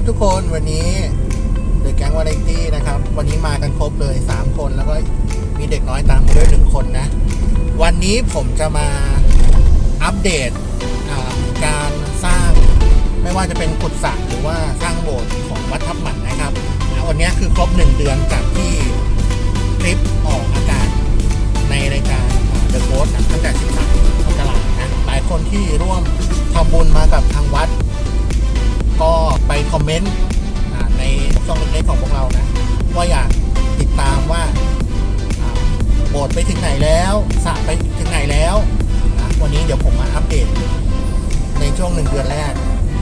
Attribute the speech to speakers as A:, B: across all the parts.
A: ทุกคนวันนี้เดอะแก๊งวาไรตี้นะครับวันนี้มากันครบเลย3คนแล้วก็มีเด็กน้อยตามมาด้วย1คนนะวันนี้ผมจะมาอัปเดตการสร้างไม่ว่าจะเป็นกุศลหรือว่าสร้างโบสถ์ของวัดทับหมันนะครับวันนี้คือครบ1 เดือนจากที่คลิปออกอากาศในรายการเดอะโค้ชตั้งแต่13 มกราคมนะหลายคนที่ร่วมทำบุญมากับทางวัดก็ไปคอมเมนต์ในช่องเล็กๆของพวกเรานะว่าอยากติดตามว่าโบสถ์ไปถึงไหนแล้วสระไปถึงไหนแล้วนะวันนี้เดี๋ยวผมมาอัปเดตในช่วง1 เดือนแรก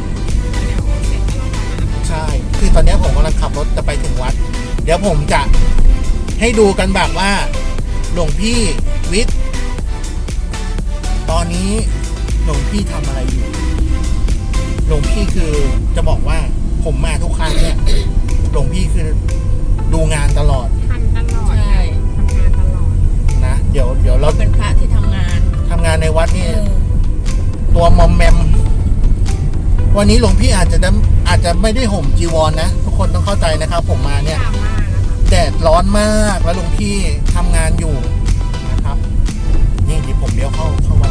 A: ใช่คือตอนนี้ผมกำลังขับรถจะไปถึงวัดเดี๋ยวผมจะให้ดูกันแบบว่าหลวงพี่วิทย์ตอนนี้หลวงพี่ทำอะไรอยู่หลวงพี่คือจะบอกว่าผมมาทุกครั้งเนี่ยหลวงพี่คือดูงานตลอด
B: ทำตลอดใช่ทำงานตลอด
A: นะเดี๋ยวเรา
C: เป็นพระที่ทำงาน
A: ในวัดนี่ตัวมอมแมมวันนี้หลวงพี่อาจจะไม่ได้ห่มจีวรนะทุกคนต้องเข้าใจนะครับผมมาเนี่ยแดดร้อนมากแล้วหลวงพี่ทำงานอยู่นะครับนี่ที่ผมเลี้ยวเข้าวัด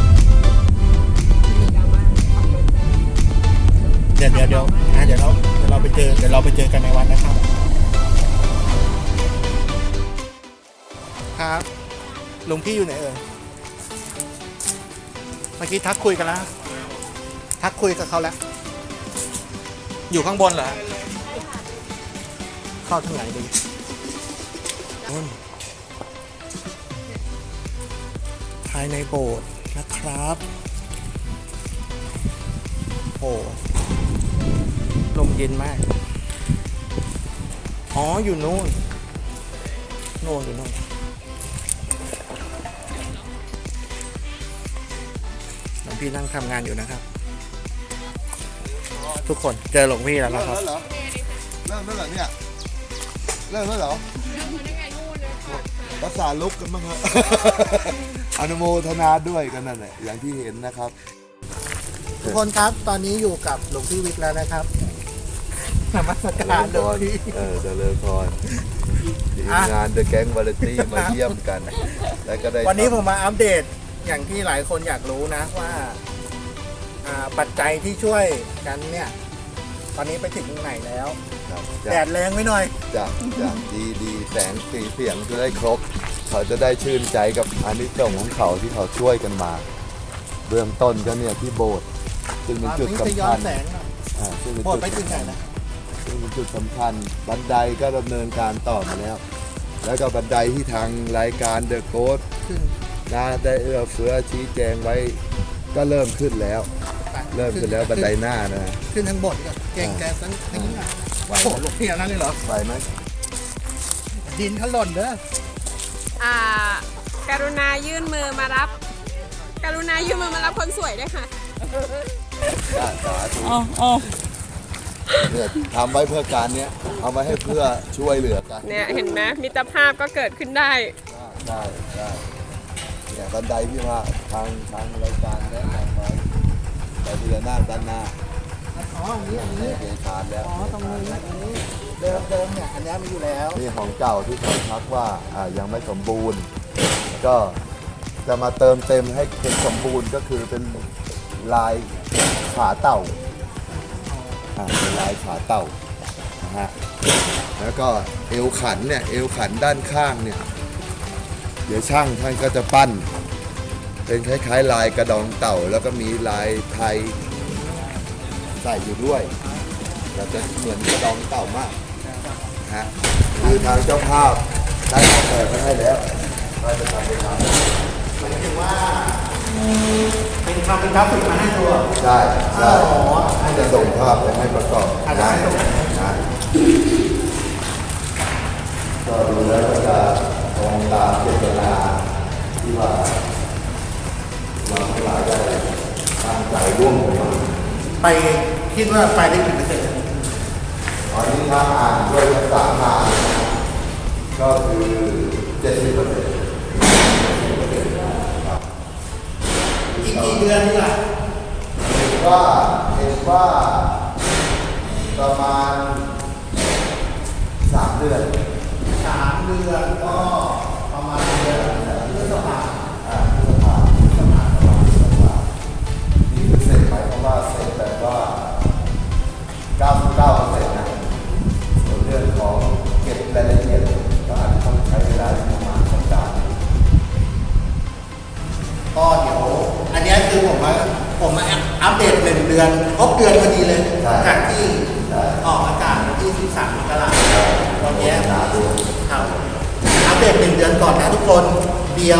A: เดี๋ยวเราไปเจอกันในวันนะครับครับหลวงพี่อยู่ไหนเอ่ยเมื่อกี้ทักคุยกันแล้วทักคุยกับเขาแล้วอยู่ข้างบนเหรอเข้าทางไหนดีภายในโบสถ์นะครับโอ้ลมเย็นมากอ๋ออยู่นู่นอยู่นู่นหลวงพี่นั่งทำงานอยู่นะครับทุกคนเจอหลวงพี่แล้วนะครับ
D: เริ่มแล้วเหรอเนี่ยเริ่มแล้วเหรอภาษาลุกกันบ้างครับอนุโมทนาด้วยกันนั่นแหละอย่างที่เห็นนะครับ
A: ทุกคนครับตอนนี้อยู่กับหลวงพี่วิทย์แล้วนะครับนมัสการหลวงพี่
D: เจริญพรทีมงานเดอะแก๊งวาไรตี้มาเยี่ยมกันแล้วก็ได้
A: วันนี้ผมมาอัปเดตอย่างที่หลายคนอยากรู้นะว่าปัจจัยที่ช่วยกันเนี่ยตอนนี้ไปถึงไหนแล้วแดดแรงไว้หน่อย
D: จากดีแสงสีเสียงจะได้ครบเขาจะได้ชื่นใจกับอานิสงส์ของเขาที่เขาช่วยกันมาเบื้องต้นก็เนี่ยที่โบสถ์ซึ่งเป็นจุดสำคัญ
A: โบสถ์ไปถึงไหนนะ
D: ซึ่งเป็นจุดสำคัญบันไดก็ดำเนินการต่อมาแล้วก็บันไดที่ทางรายการเดอะโค้ชได้เอื้อเฟื้อชี้แจงไว้ก็เริ่มขึ้นแล้วบันไดหน้านะ
A: ขึ้นทางบนก็เก่งแกสักนิดนึงโอ้โหหลวงพี่นั่นเลยเหรอ
D: ไปไหม
A: ดินเขาหล่นเด้
B: อการุณายื่นมือมารับคนสวยด้วยค่ะ
D: สาธุเนี่ยทำไว้เพื่อการเนี้ยเอาไว้ให้เพื่อช่วยเหลือกัน
B: เนี่ยเห็นไหมมิตรภาพก็เกิดขึ้นได้
D: เนี่ยบันไดที่ว่าทางรายการแนะนำไว้แต่ที่จะนั่งด้านหน้า
A: อันนี้
D: เกณฑ์ทานแล้ว
A: ตรงนี้เดิมเนี่ยอันนี้มีอยู่แล้ว
D: นี่ของเก่าที่เขาทักว่ายังไม่สมบูรณ์ก็จะมาเติมเต็มให้เป็นสมบูรณ์ก็คือเป็นลายขาเต่าเป็นลายขาเต่านะฮะแล้วก็เอวขันด้านข้างเนี่ยเดี๋ยวช่างท่านก็จะปั้นเป็นคล้ายๆลายกระดองเต่าแล้วก็มีลายไทยใส่อยู่ด้วยเราจะเหมือนกระดองเต่ามากฮะคือทางเจ้าภาพได้ออกแบบให้แล้วเราจะทำเป็น
A: หมายถึงว่าเป็นกราฟิกมาให้ตัว
D: ใช่จะส่งภาพไปให้ประกอบได้ก็ดูแล้วก็จะตรงตามเจตนาที่ว่าเราทั้งหลายได้ตั้งใจร่วมกัน
A: ไปคิดว่าไปได้กี่เปอร์เซ็นต์
D: ตอนนี้ถ้าอ่านด้วยภาษางานก็คือ 70%
A: อีกกี่เดือนนี่ล่ะ
D: เห็นว่าประมาณ3 เดือน
A: 3 เดือนก็ประมาณเดือนพฤษภา
D: พฤษภานี่คือเสร็จไหมเพราะว่าเสร็จแบบว่า 99%นะส่วนเรื่องของเก็บรายละเอียดก็อาจจะต้องใช้เวลาประมาณสัปดาห์
A: ก็เดี๋ยวอันเนี้ยคือผมมาอัปเดต1 เดือนครบเดือนพอดีเลย
D: ใช่
A: จากที่
D: ใช่
A: ออกอากาศวันที่13 มกราคมตอนเนี้ย
D: หนาด้วย
A: ครับอัปเดต1 เดือนก่อนนะทุกคน เดี๋ยว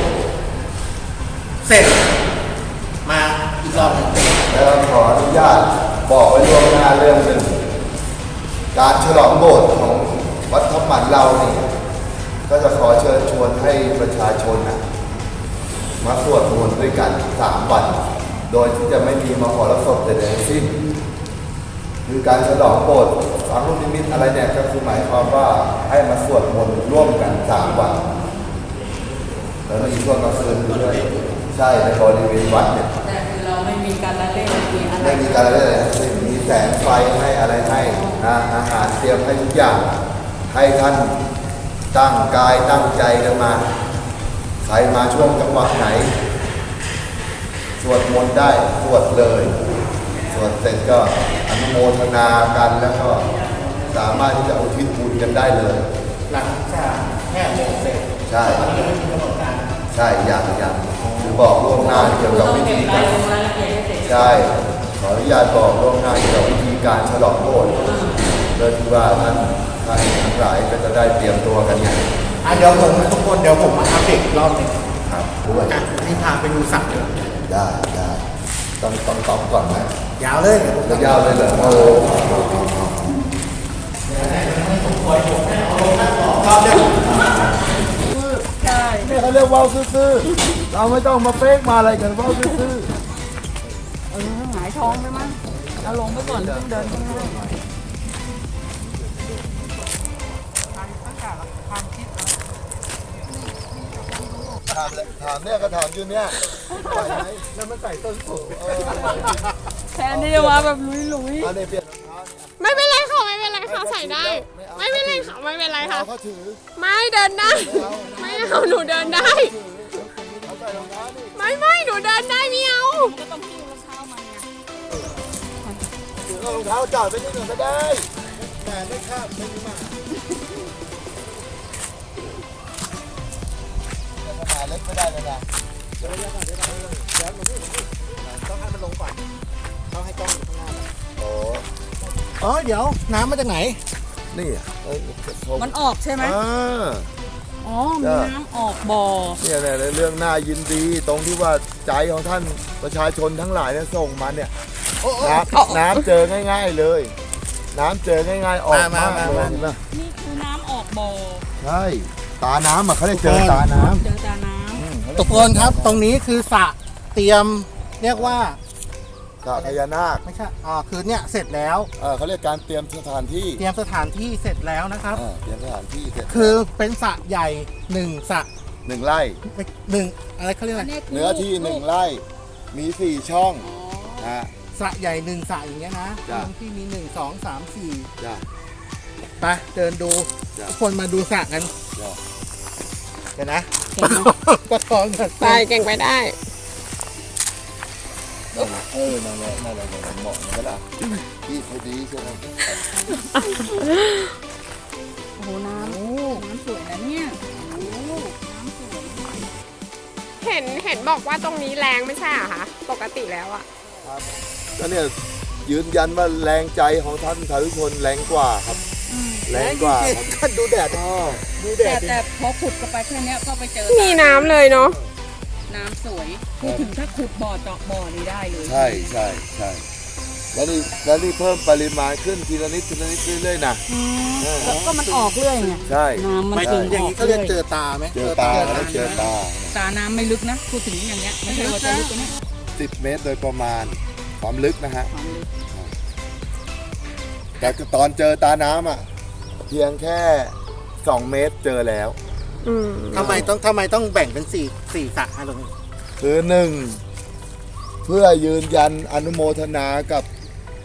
A: เสร็จ มาอีกรอบหนึ่ง
D: แล้วขออนุญาตบอกไว้ล่วงหน้าเรื่องหนึ่งการฉลองโบสถ์ของวัดทับหมันเรานี่ก็จะขอเชิญชวนให้ประชาชนนะมาสวดมนต์ด้วยกัน3 วัน โดยที่จะไม่มีมหรสพใดๆทั้งสิ้นคือการฉลองโบสถ์ฝังลูกนิมิตอะไรเนี่ยก็คือหมายความว่าให้มาสวดมนต์ร่วมกัน3 วันแล้วมีช่วงกลางคืนด้วยใช่ในบริเวณวัดเนี่ย
C: แต่คือเราไม่มีการละเล่นมีอะไร
D: ไม่มีการอะไรเลยทั้งสิ้นมีแสงไฟให้อะไรให้นะอาหารเตรียมให้ทุกอย่าง ให้ท่านตั้งกายตั้งใจกันมา ใครมาช่วงจังหวะไหน สวดมนต์ได้สวดเลย สวดเสร็จก็อนุโมทนากันแล้วก็สามารถที่จะอุทิศบุญกันได้เลย
A: หลังจากแค่โมงเสร็จ
D: ใช่
A: ตอนนี้ยังไม่มีกำหนดการ
D: ใช่อย่างคือบอกล่วงหน้าเกี่ยวกับ
C: ต้อง
D: วิ
C: เก็
D: ธี
C: บ
D: การ
C: รายละเอียดให้เสร็จ
D: ใช่ ขออนุญาตบอกล่วงหน้าเกี่ยวกับวิธีการฉลองโบสถ์เพื่อที่ว่าท่านทั้งหลายก็จะได้เตรียมตัวกันไง
A: เดี๋ยวผมทุกคนเดี๋ยวผมมาอัปเดตอีกรอบหนึ่ง
D: ครับด้วย
A: นี่พาไปดูสัตว์เลย
D: ได้ต้องตอบก่อนไหม
A: ยาวเลยเดี๋ยวผม
D: จะยาวเลยเหรอโอ้
A: รอบเดียว
C: ใช่
D: เนี่ยเขาเรียกว่าวซื่อๆเราไม่ต้องมาเฟกมาอะไรกันว่าวซื่อ
C: หงายท้องไปมั้งเอาลงไปก่อนต้องเดินข้างหน้า
D: ๆถามเนี่ยก็ถามอยู่เนี่ยไหวไหมแล้วมันใส่ต้นสูง
C: แทนที่จะมาแบบลุย
D: เอาเนี่ยเปลี่ยนรองเท้าเนี่ย
B: ไม่เป็นไรค่ะไม่เป็นไรค่ะใส่ได้ ไม่เป็นไรค่ะไม่เป็นไรค่ะ
D: เอาเขาถือ
B: ไม่เดินได้ ไม่เอาหนูเดินได้
D: เอาใส่รองเท้านี่
B: ไม่หนูเดินได้ไม่เอา
C: ๆก็ต้องกิ้งรองเท้ามันไง
D: ถือเอารองเท้าจอดไปนิดหนึ่งก็ได้ แต่ไม่คาดไม่มีหมาแต่ขนาดเล็กไม่ได้เลยนะ
A: ต้องให้มันลงก่อนต้องให้กล้องอยู่ข้างหน้า
D: โอ้
A: อ๋อเดี๋ยวน้ำมาจากไหน
D: นี่อ่ะเอ้ย
C: มันออกใช่ไหม
D: อ่า
C: อ๋อมีน้ำออกบ่อ
D: เนี่ยในเรื่องน่ายินดีตรงที่ว่าใจของท่านประชาชนทั้งหลายเนี่ยส่งมาเนี่ยน้ำเจอง่าย ๆเลย น้ำเจอง่ายๆออกมากเลยเห็นไหม
C: นี่คือน้ำออกบ่อ
D: ใช่ตาน้ำอ่ะเขาได้เจอตาน้
C: เจอตาน้
A: ทุกคนครับ ตรงนี้คือสระเตรียมเรียกว่า
D: ำสระพญานาค
A: ไม่ใช่คือเนี่ยเสร็จแล้ว
D: เขาเรียกการเตรียมสถานที่
A: เตรียมสถานที่เสร็จแล้วนะครับ
D: เตรียมสถานที่เสร็จ
A: คือเป็นสระใหญ่1 สระ
D: 1 ไร่
A: 1อะไรเขาเรียก
C: ำ
A: อะไร
D: เนื้อที่ 1 ไร่มี 4 ช่องนะ
A: สระใหญ่1 สระอย่างเงี้ยนะ
D: จ้ะ
A: ตรงที่มี1 2 3 4
D: จ้ะ
A: ไปเดินดู
D: จ้ะ
A: ทุกคนมาดูสระกัน
D: จ้ะ
A: เดี๋ยวนะประคองกัน
B: ไปเก่งไปได้
D: นั่นแหละเหมาะนะล่ะที่พอดีใช่ไหม
C: โอ้โหน้ำสวยนะเนี่ยโอ้น้ำสวย
B: เห็นบอกว่าตรงนี้แรงไม่ใช่เหรอคะปกติแล้วอะ
D: ก็เนี่ยยืนยันว่าแรงใจของท่านสาธุชนแรงกว่าครับ แรงกว่าครับ
A: ก็ดูแดดดูแดดดิ
C: แต่พอขุดกันไปแค่เนี้ยก็ไปเจอ
B: มีน้ำเลยเนาะ
C: น้ำสวยพูดถึงถ้าขุดบ่อเจาะบ่อนี่ได้เลย
D: ใช่แล้วนี่เพิ่มปริมาณขึ้นทีละนิดเรื่อยๆนะ
C: ก็มันออกเรื่อยไง
D: ใช่
C: น้ำมัน
A: หมายถึงอย่างนี้เขาเรียกเจอตาไหม
D: เจอตา
C: ตาน้ำไม่ลึกนะพูดถึงอย่างเงี้ยไม่ใช่ว่าจะลึกกว่านี้
D: 10 เมตรโดยประมาณความลึกนะฮะ
C: ความลึก
D: แต่ตอนเจอตาน้ำอ่ะเพียงแค่ 2 เมตรเจอแล้ว
A: ทำไมต้องแบ่งเป็น4 สระตรงนี้
D: คือ1เพื่อยืนยันอนุโมทนากับ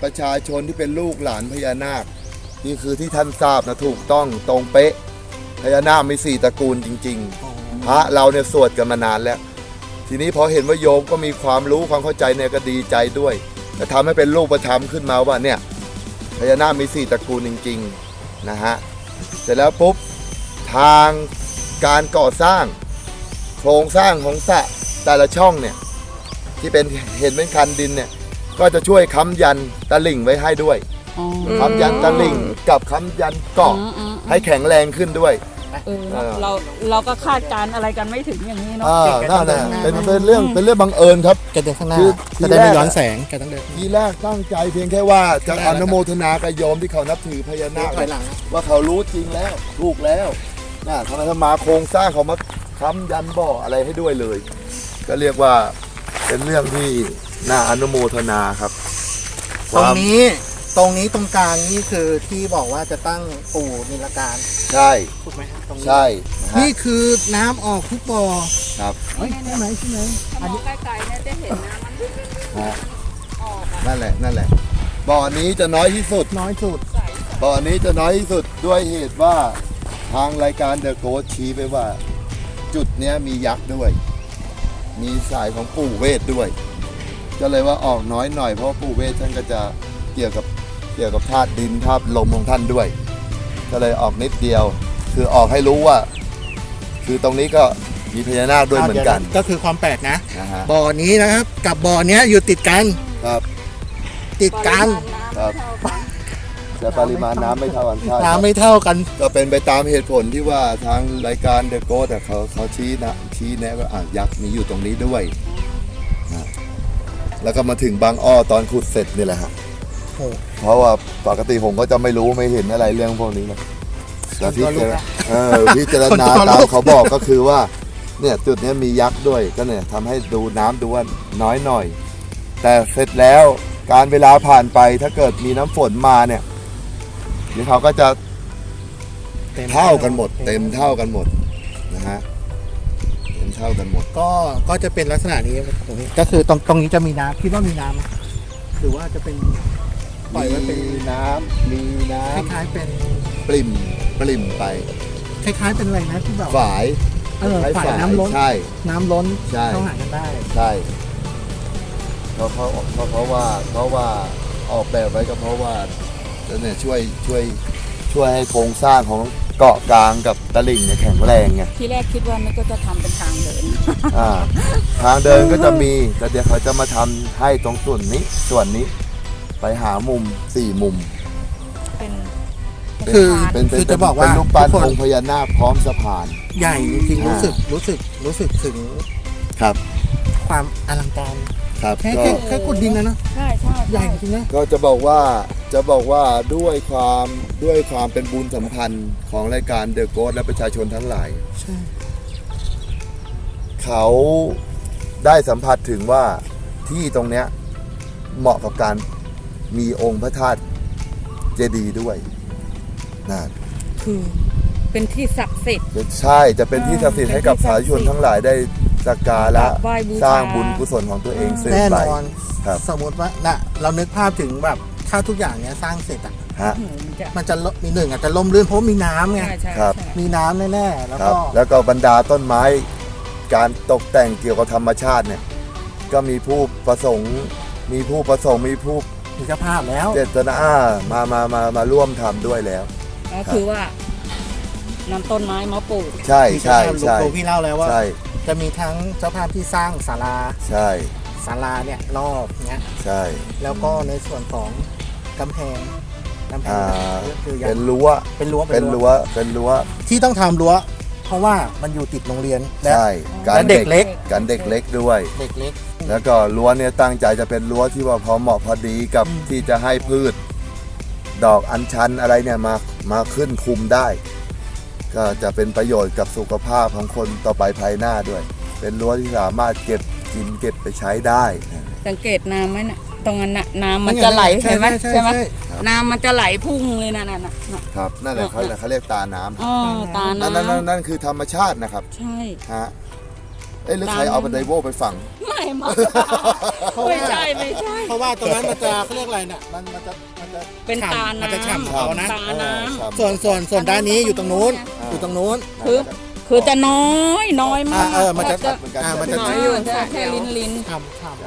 D: ประชาชนที่เป็นลูกหลานพญานาคนี่คือที่ท่านทราบนะถูกต้องตรงเป๊ะพญานาคมี4ตระกูลจริงๆพระเราเนี่ยสวดกันมานานแล้ว ทีนี้พอเห็นว่าโยมก็มีความรู้ความเข้าใจเนี่ยก็ดีใจด้วยจะทำให้เป็นรูปธรรมขึ้นมาว่าเนี่ยพญานาคมี4ตระกูลจริงๆนะฮะเสร็จแล้วปุ๊บทางการก่อสร้างโครงสร้างของสระแต่ละช่องเนี่ยที่เป็นเห็นเป็นคันดินเนี่ยก็จะช่วยค้ำยันตะลิ่งไว้ให้ด้วย
C: อ๋อ
D: ค้ำยันตะลิ่งกับค้ำยันเกาะให้แข็งแรงขึ้นด้วย
C: เราก็คาดการณ์อะไรกันไม่ถึงอย่างนี้เนาะ
D: นั่นแหละเป็นเรื่องบังเอิญครับ
A: แกเดินข้างหน้า
D: คือ
A: จะได้ไม่ย้อนแสงแกต้องเดิน
D: ทีแรกตั้งใจเพียงแค่ว่าจะอนุโมทนากับโยมที่เขานับถือพญานาค
A: ถอยหลัง
D: ว่าเขารู้จริงแล้วถูกแล้วนะทำไมทำมาโครงสร้างเขามาค้ำยันบ่ออะไรให้ด้วยเลย ก็เรียกว่าเป็นเรื่องที่น่าอนุโมทนาครับ
A: ตรงนี้ตรงกลางนี่คือที่บอกว่าจะตั้งปู่นิลการ
D: ใช่
A: ถูกไหมตรงนี้
D: ใช่นะฮะ
A: นี่คือน้ำออกทุกบ่อ
D: ครับ
A: เฮ้ยที่ไหนที่ไหน
C: ถ้ามองไกลๆเนี่ยจะเห็นนะมัน
D: ฮะ
C: ออก
D: นั่นแหละบ่อนี้จะน้อยที่สุด
A: น้อยสุด
C: ใส
D: บ่อนี้จะน้อยที่สุดด้วยเหตุว่าทางรายการเดอะโกสชี้ไปว่า จุดเนี้ยมียักษ์ด้วย มีสายของปู่เวทด้วย ก็เลยว่าออกน้อยหน่อยเพราะว่าปู่เวทท่านก็จะเกี่ยวกับธาตุดินธาตุลมของท่านด้วย ก็เลยออกนิดเดียว คือออกให้รู้ว่า คือตรงนี้ก็มีพญานาคด้วยเหมือนกัน
A: ก็คือความแปลกนะ
D: นะฮะ
A: บ่อนี้นะครับกับบ่อเนี้ยอยู่ติดกัน
D: ครับ
A: ติดกัน
D: ครับ แต่ปริมาณน้ำไม่เท่ากันใช่ครับ
A: น้ำไม่เท่ากัน
D: ก็เป็นไปตามเหตุผลที่ว่าทางรายการเดอะโกสเขาชี้แนะว่ายักษ์มีอยู่ตรงนี้ด้วยนะแล้วก็มาถึงบางอ้อตอนขุดเสร็จนี่แหละฮะ
A: โอ้
D: เพราะว่าปกติผมก็จะไม่รู้ไม่เห็นอะไรเรื่องพวกนี้หรอกแต่พิจารณาพิจารณาตามเขาบอกก็คือว่าเนี่ยจุดนี้มียักษ์ด้วยก็เนี่ยทำให้ดูน้ำดูว่าน้อยหน่อย แต่เสร็จแล้วการเวลาผ่านไปถ้าเกิดมีน้ำฝนมาเนี่ยเดี๋ยวเขาก็จะเท่ากันหมด เต็มเท่ากันหมดนะฮะเต็มเท่ากันหมด
A: ก็จะเป็นลักษณะนี้ตรงนี้ก็คือตรงนี้จะมีน้ำคิดว่ามีน้ำไหมหรือว่าจะเป็นปล่อยไว้เป็น
D: มีน้ำมีน้
A: คล้ายๆเป็น
D: ำปริ่มไป
A: คล้ายๆเป็นอะไรนะที่แบบ
D: ฝาย
A: ฝายน้ำล้น
D: ใช่
A: น้ำล้น
D: ใช่
A: เข้าหากันได้
D: ใช่เพราะว่าออกแบบไว้ก็เพราะว่าเนี่ยช่วยให้โครงสร้างของเกาะกลางกับตลิ่งเนี่ยแข็งแรงไง
C: ที่แรกคิดว่ามันก็จะทำเป็นทางเดิน
D: ทางเดินก็จะมีแต่เดี๋ยวเขาจะมาทำให้ตรงส่วนนี้ไปหามุม4 มุม
C: เป็น
A: คือ
C: ทาง
A: คือจะบอกว่า
D: เป็นรูปปั้น
A: ทุกคน
D: องค์พญานาคพร้อมสะพาน
A: ใหญ่จริงๆ
D: อ่า
A: รู้สึกถึง
D: ครับ
A: ความอลังการ
D: ครับ
A: แค่
D: ก็
A: แค่ขุดดินนะเนาะ
C: ใช่
A: ใหญ่จริงนะ
D: ก็จะบอกว่าด้วยความเป็นบุญสัมพันธ์ของรายการเดอะโกสและประชาชนทั้งหลาย
A: ใช่
D: เขาได้สัมผัสถึงว่าที่ตรงเนี้ยเหมาะกับการมีองค์พระธาตุเจดีย์ด้วยนะ
C: คือเป็นที่ศักดิ์สิทธิ์
D: ใช่จะเป็นที่ศักดิ์สิทธิ์ให้กับสาธุชนทั้งหลายได้สักการะ
C: กราบไหว้บูชา
D: สร้างบุญกุศลของตัวเองสืบ
A: แน่
D: ไป
A: นอน
D: ครับ
A: สมมติว่าเรานึกภาพถึงแบบถ้าทุกอย่างเนี้ยสร้างเสร็จอ่ะ
D: ฮะ
A: มันจะมีหนึ่งอาจจะล่มลื่นเพราะมีน้ำไง
C: ใช่
D: ครับ
A: มีน้ำแน่ๆแล้ว
D: ครับ
A: ก็
D: แล้วก็บรรดาต้นไม้การตกแต่งเกี่ยวกับธรรมชาติเนี่ยก็มีผู้ประสงค์มีผู้
A: มีเจ้าภาพแล้ว
D: เจตนามาร่วมทำด้วยแล้ว
C: ก็คือว่านำต้นไม้มาปลูก
D: ใช่
A: มี
D: ใช่
A: เจ้าภาพ
D: ใช่
A: หลวงปู่พี่เล่าแล้วว่า
D: ใช่
A: จะมีทั้งเจ้าภาพที่สร้างศาลา
D: ใช่
A: เนี่ยรอบเนี้ย
D: ใช่
A: แล้วก็ในส่วนของกำแพงก็คือ
D: เป็นรั้ว
A: เป็นรั้ว
D: เป็นรั้ว
A: ที่ต้องทำรั้ว เพราะว่ามันอยู่ติดโรงเรียนและ
D: ใช่
A: และเด็กเล็ก
D: การเด็กเล็กด้วย
A: เด็กเล็ก
D: แล้วก็รั้วเนี่ยตั้งใจจะเป็นรั้วที่ว่าพอเหมาะพอดีกับที่จะให้พืช ดอกอัญชันอะไรเนี่ยมาขึ้นคุมได้ ก็จะเป็นประโยชน์กับสุขภาพของคนต่อไปภายหน้าด้วย เป็นรั้วที่สามารถเก็บกินเก็บไปใช้ได้
C: สังเกตน้ำไหมน่ะตรงนั้นน่ะน้ำมันจะไหลเห็นไหมใช่ไหมน้ำมันจะไหลพุ่งเลยน่ะ
D: ครับนั่นแหละเขาเรียกตาน้ำ
C: อ๋อตา
D: นั่น
C: น้ำ
D: นั่นคือธรรมชาตินะครับ
C: ใช่
D: ฮะหรือใครเอาบันไดโวไปฝัง
C: ไม่มา
A: เพราะว่า
C: ไม่ใช่
A: เพราะว่าตรงนั้นมันจะเขาเรียกอะไรเนี่ยมันจะ
C: เป็นตา
A: มันจะ
C: น้ำ
A: ฉ่ำเขานะ
C: ตาน้ำ
A: ส่วนด้านนี้อยู่ตรงนู้นอยู่ตรงนู้น
C: คือจะน้อยมาก
A: มันจะ มันจะ
C: น้อยอยู่แค่ลิ้น
A: ฉ่ำน้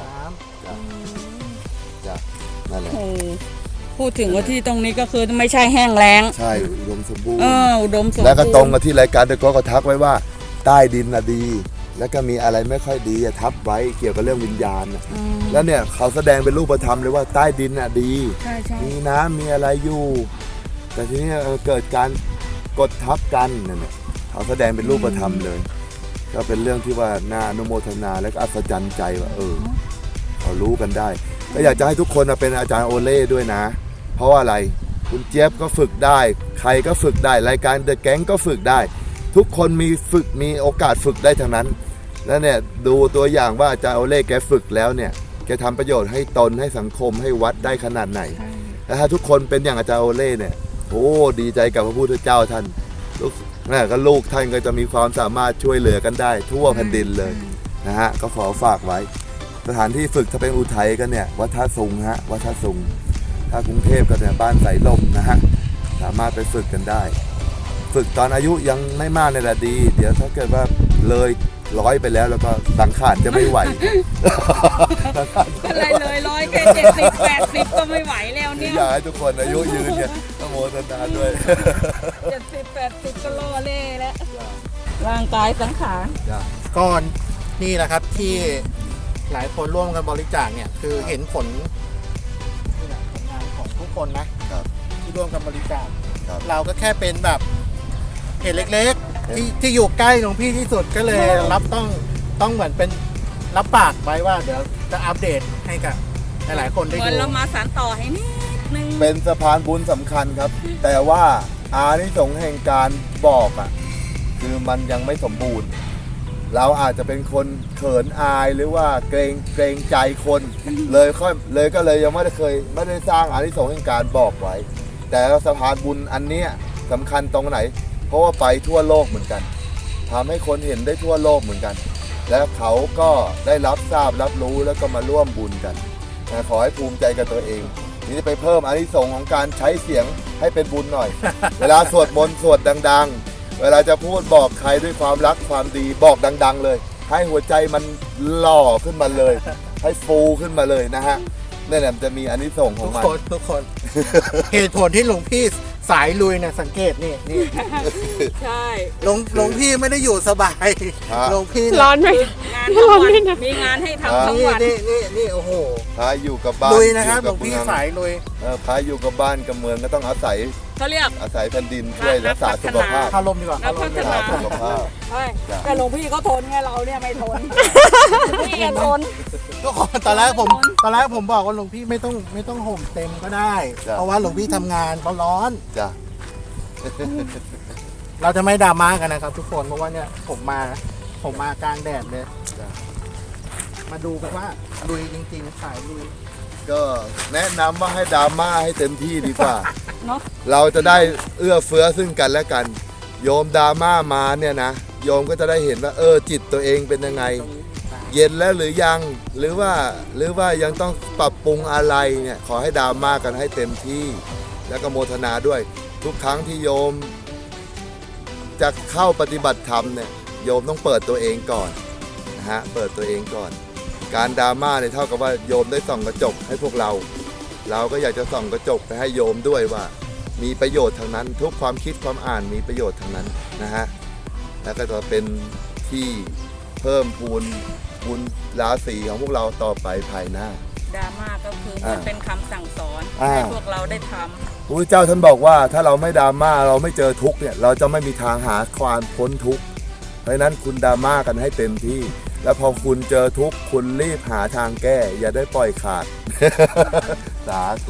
D: จ้ะนั่นแหละ
C: โอ้พูดถึงว่าที่ตรงนี้ก็คือไม่ใช่แห้งแล้ง
D: ใช่อุดมสมบูรณ์
C: อุดมสมบูรณ์
D: แล้วก็ตรงกับที่รายการเดอะก็ทักไว้ว่าใต้ดินน่ะดี แล้วก็มีอะไรไม่ค่อยดีอะทับไว้เกี่ยวกับเรื่องวิญญาณน่ะแล้วเนี่ยเขาแสดงเป็นรูปธรรมเลยว่าใต้ดินน่ะดี
C: ใช่
D: มีน้ำมีอะไรอยู่ แต่ทีนี้เกิดการกดทับกันนั่นแหละเขาแสดงเป็นรูปธรรมเลย ก็เป็นเรื่องที่ว่าน่าอนุโมทนาและก็อัศจรรย์ใจว่าเขารู้กันได้ก็อยากจะให้ทุกคนเป็นอาจารย์โอเล่ด้วยนะ เพราะว่าอะไรคุณเจี๊ยบก็ฝึกได้ ใครก็ฝึกได้รายการเดอะแก๊งก็ฝึกได้ ทุกคนมีโอกาสฝึกได้ทั้งนั้น แล้วเนี่ยดูตัวอย่างว่าอาจารย์โอเล่แกฝึกแล้วเนี่ยแกทำประโยชน์ให้ตนให้สังคมให้วัดได้ขนาดไหนแล้วถ้าทุกคนเป็นอย่างอาจารย์โอเล่เนี่ยโอ้ดีใจกับพระพุทธเจ้าท่านลูกก็ลูกท่านก็จะมีความสามารถช่วยเหลือกันได้ทั่วแผ่นดินเลยนะฮะก็ขอฝากไว้สถานที่ฝึกถ้าเป็นอุทัยกันเนี่ยวัดท่าซุงวัดท่าซุงถ้ากรุงเทพก็เนี่ยบ้านสายลมนะฮะสามารถไปฝึกกันได้ ฝึกตอนอายุยังไม่มากในระดี เดี๋ยวถ้าเกิดว่าเลย100ไปแล้วก็สังขารจะไม่ไหว
C: อะไรเลย100แค่70 80ก็ไม่ไหวแล้วเนี่ย
D: อยากให้ทุกคนอายุยืนเนี่ยต้องโมทนาด้วย
C: 70 80ก็ล่อเล่แล้วร่างกายสังขาร
A: ำก่อนนี่แหละครับที่หลายคนร่วมกันบริจาคเนี่ยคือเห็นผลนี่แหละผลงานของทุกคนนะครับ ที่ร่วมกันบริจาค
D: ครับ
A: เราก็แค่เป็นแบบเหตุเล็กๆที่อยู่ใกล้หลวงพี่ที่สุดก็เลยรับต้องเหมือนเป็นรับปากไว้ว่าเดี๋ยวจะอัปเดตให้กับหลายๆคนได้
C: เหมื
A: ดู
C: อนเรามาสานต่อให้นิดนึง
D: เป็นสะพานบุญสำคัญครับ แต่ว่าอานิสงส์แห่งการบอกคือมันยังไม่สมบูรณ์ เราอาจจะเป็นคนเขินอายหรือว่าเกรงใจคนเลยก็เลยยังไม่ได้สร้างอานิสงส์แห่งการบอกไว้ แต่สะพานบุญอันเนี้ยสำคัญตรงไหน เพราะว่าไปทั่วโลกเหมือนกันทำให้คนเห็นได้ทั่วโลกเหมือนกัน และเขาก็ได้รับทราบรับรู้แล้วก็มาร่วมบุญกันนะขอให้ภูมิใจกับตัวเองนี่จะไปเพิ่มอานิสงส์ของการใช้เสียงให้เป็นบุญหน่อย เวลาสวดมนต์สวดดังๆ เวลาจะพูดบอกใครด้วยความรักความดีบอกดังๆเลย ให้หัวใจมันหล่อขึ้นมาเลย ให้ฟูขึ้นมาเลยนะฮะนั่นแหละมันจะมีอานิสงส์ของมัน
A: ทุกคน เหตุผลที่หลวงพี่สายลุยเนี่ยสังเกตนี่
C: ใช่
A: หลวงพี่ไม่ได้อยู่สบาย
D: ฮะ
A: หลวงพี่
B: ร้อนไหม
C: งานทั้งวันมีงานให้ทำทั้งวัน
A: นี่โอ้โห
D: พาอยู่กับบ้าน
A: ลุยนะครับห
D: อ
A: ลวงพี่
D: เมือ
A: สายลุย
D: พาอยู่กับบ้านกับเมืองก็ต้องอาศัย
C: เขาเรียก
D: แผ่นดินช่วยรักษาสุขภาพ
A: เข้าลมดีกว่าเข้าลมดีกว่า
C: พัฒนา
D: สุขภาพ
C: แต่หลวงพี่เขาทนไงเราเนี่ยไม่ทนพี่ทน
A: ทุกคนตอนแรกผมบอกว่าหลวงพี่ไม่ต้องห่มเต็มก็ได้
D: จ้ะ
A: เพราะว่าหลวงพี่ทำงานเขาร้อน
D: จ้ะ
A: เราจะไม่ดราม่ากันนะครับ ทุกคนเพราะว่าเนี่ยผมมากลางแดดเลย
D: จ้ะ
A: มาดูกันว่าลุยจริงๆสายลุย
D: ก็แนะนำว่าให้ดราม่าให้เต็มที่ดีกว่า
C: เนาะ
D: เราจะได้เอื้อเฟื้อซึ่งกันและกัน โยมดราม่ามาเนี่ยนะโยมก็จะได้เห็นว่าจิตตัวเองเป็นยังไง เย็นแล้วหรือยังหรือว่ายังต้องปรับปรุงอะไรเนี่ยขอให้ดราม่ากันให้เต็มที่ แล้วก็โมทนาด้วย ทุกครั้งที่โยมจะเข้าปฏิบัติธรรมเนี่ยโยมต้องเปิดตัวเองก่อนนะฮะเปิดตัวเองก่อน การดราม่าเนี่ยเท่ากับว่าโยมได้ส่องกระจกให้พวกเราก็อยากจะส่องกระจกไปให้โยมด้วยว่า มีประโยชน์ทางนั้น ทุกความคิดความอ่านมีประโยชน์ทางนั้นนะฮะแล้วก็จะเป็นที่เพิ่มพูนบุญราศีของพวกเราต่อไปภายหน้า
C: ดราม่าก็คือมันเป็นคำสั่งสอน
D: อ่า
C: ให้พวกเราได้ทำ
D: พระพุทธเจ้าท่านบอกว่าถ้าเราไม่ดราม่าเราไม่เจอทุกข์เนี่ยเราจะไม่มีทางหาความพ้นทุกข์เพราะฉะนั้นคุณดราม่ากันให้เต็มที่ แล้วพอคุณเจอทุกข์คุณรีบหาทางแก้ อย่าได้ปล่อยขาด สาธุ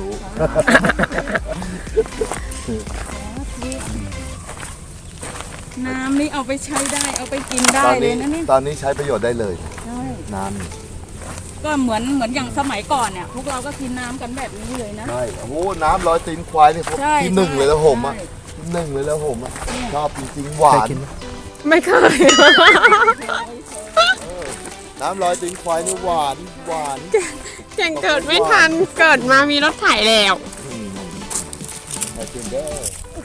C: น้ำนี่เอาไปใช้ได้เอาไปกินได้เลยนะเนี่ย
D: ตอนนี้ใช้ประโยชน์ได้เลย
C: ใช่
D: น้ำนี่
C: ก็เหมือนอย่างสมัยก่อนเนี่ยพวกเราก็กินน้ำกันแบบนี้เลยนะ
D: ใช่โอ้โหน้ำร้อยตีนควายนี่
C: ใช่
D: ที่หนึ่งเลยแล้วผมอ่ะ
C: ใช่
D: ที่หนึ่งเลยแล้วผมอ่ะชอบจริงๆหวาน
A: เคยกินไหม
B: ไม่เคย
D: น้ำลอยตีนควายนี่หวานหวาน
B: ยังเกิดไม่ทัน เกิดมามีรถไถแล้ว
D: มากินเด้อ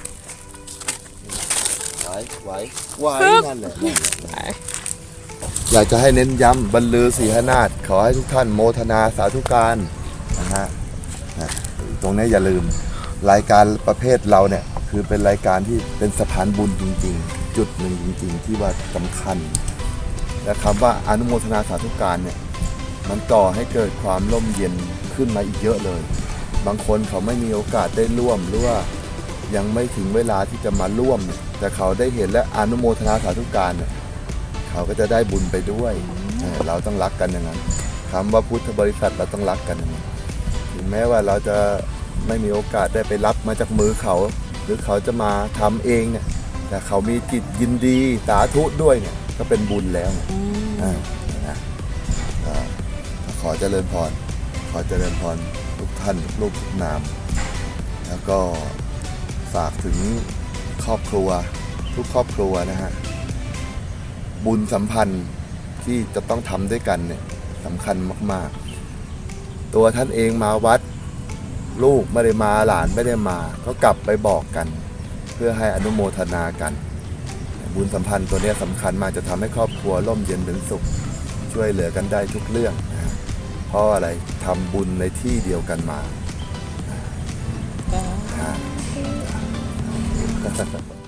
D: ไหวไหวไหวนั่นแหละอยากจะให้เน้นย้ำบรรลือศรีหนาถขอให้ทุกท่านโมทนาสาธุการนะฮะตรงนี้อย่าลืมรายการประเภทเราเนี่ยคือเป็นรายการที่เป็นสะพานบุญจริงๆ จุดหนึ่งจริงๆ ที่ว่าสำคัญและคำว่าอนุโมทนาสาธุการเนี่ยมันก่อให้เกิดความร่มเย็นขึ้นมาอีกเยอะเลย บางคนเขาไม่มีโอกาสได้ร่วมหรือว่ายังไม่ถึงเวลาที่จะมาร่วมเนี่ยแต่เขาได้เห็นและอนุโมทนาสาธุการเนี่ยเขาก็จะได้บุญไปด้วยเราต้องรักกันอย่างนั้นคำว่าพุทธบริษัทเราต้องรักกันอย่างนั้นถึงแม้ว่าเราจะไม่มีโอกาสได้ไปรับมาจากมือเขาหรือเขาจะมาทำเองเนี่ยแต่เขามีจิตยินดีสาธุด้วยเนี่ยก็เป็นบุญแล้วนะขอเจริญพรขอเจริญพรทุกท่านลูกทุกนามแล้วก็ฝากถึงครอบครัวทุกครอบครัวนะฮะบุญสัมพันธ์ที่จะต้องทำด้วยกันเนี่ยสำคัญมากๆตัวท่านเองมาวัดลูกไม่ได้มาหลานไม่ได้มาก็กลับไปบอกกันเพื่อให้อนุโมทนากันบุญสัมพันธ์ตัวนี้สำคัญมากจะทำให้ครอบครัวร่มเย็นเป็นสุขช่วยเหลือกันได้ทุกเรื่องนะเพราะอะไรทำบุญในที่เดียวกันมา